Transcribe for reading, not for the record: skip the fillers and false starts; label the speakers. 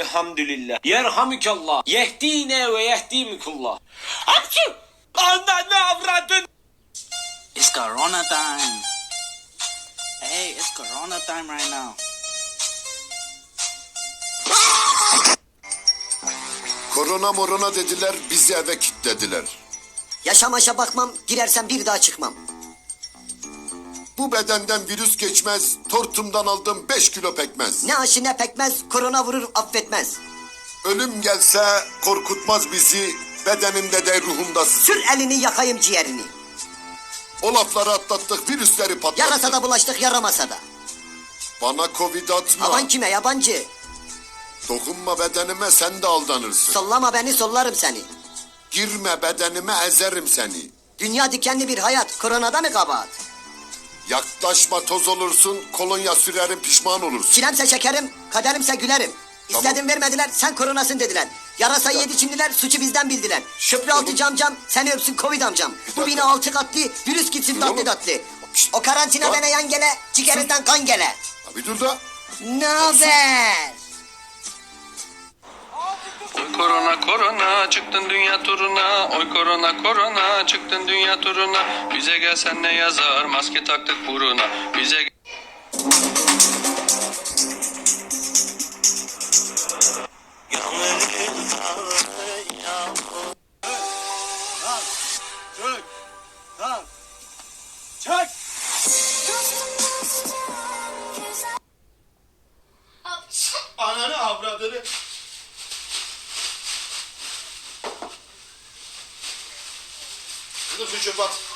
Speaker 1: Elhamdülillah. Yerhamükallah. Yehdine ve yehdimikullah. Hapşu! Ananı avradın!
Speaker 2: It's Corona time. Hey, it's Corona time right now.
Speaker 3: Korona morona dediler, bizi eve kilitlediler.
Speaker 4: Yaşamaşa bakmam, girersem bir daha çıkmam.
Speaker 3: Bu bedenden virüs geçmez, tortumdan aldım 5 kilo pekmez.
Speaker 4: Ne aşı ne pekmez, korona vurur affetmez.
Speaker 3: Ölüm gelse korkutmaz bizi, bedenimde de ruhumda sızı.
Speaker 4: Sür elini yakayım ciğerini.
Speaker 3: O lafları atlattık, virüsleri patlattık.
Speaker 4: Yarasa da bulaştık yaramasa da.
Speaker 3: Bana covid atma,
Speaker 4: Aman kime yabancı.
Speaker 3: dokunma bedenime sen de aldanırsın.
Speaker 4: Sollama beni sollarım seni.
Speaker 3: Girme bedenime ezerim seni.
Speaker 4: Dünya dikenli bir hayat, koronada mı kabahat?
Speaker 3: Yaklaşma toz olursun, kolonya sürerim pişman olursun.
Speaker 4: Çilemse şekerim, kaderimse gülerim.
Speaker 3: Tamam.
Speaker 4: İstedim vermediler, sen koronasın dediler. Yarasayı yedi çimdiler, suçu bizden bildiler. Köprü altı camcam, seni öpsün Covid amcam. Bu bina 6 katlı, virüs gitsin tatlı
Speaker 3: oğlum.
Speaker 4: tatlı. O karantina
Speaker 3: Lan.
Speaker 4: bana yan gele, ciğerinden kan gele.
Speaker 3: Bir dur da.
Speaker 4: Ne haber?
Speaker 5: Oy korona korona çıktın dünya turuna. Oy korona korona çıktın dünya turuna. Bize gelsen ne yazar maske taktık buruna. Bize
Speaker 6: Ananı avradını. Dur şu çöp at.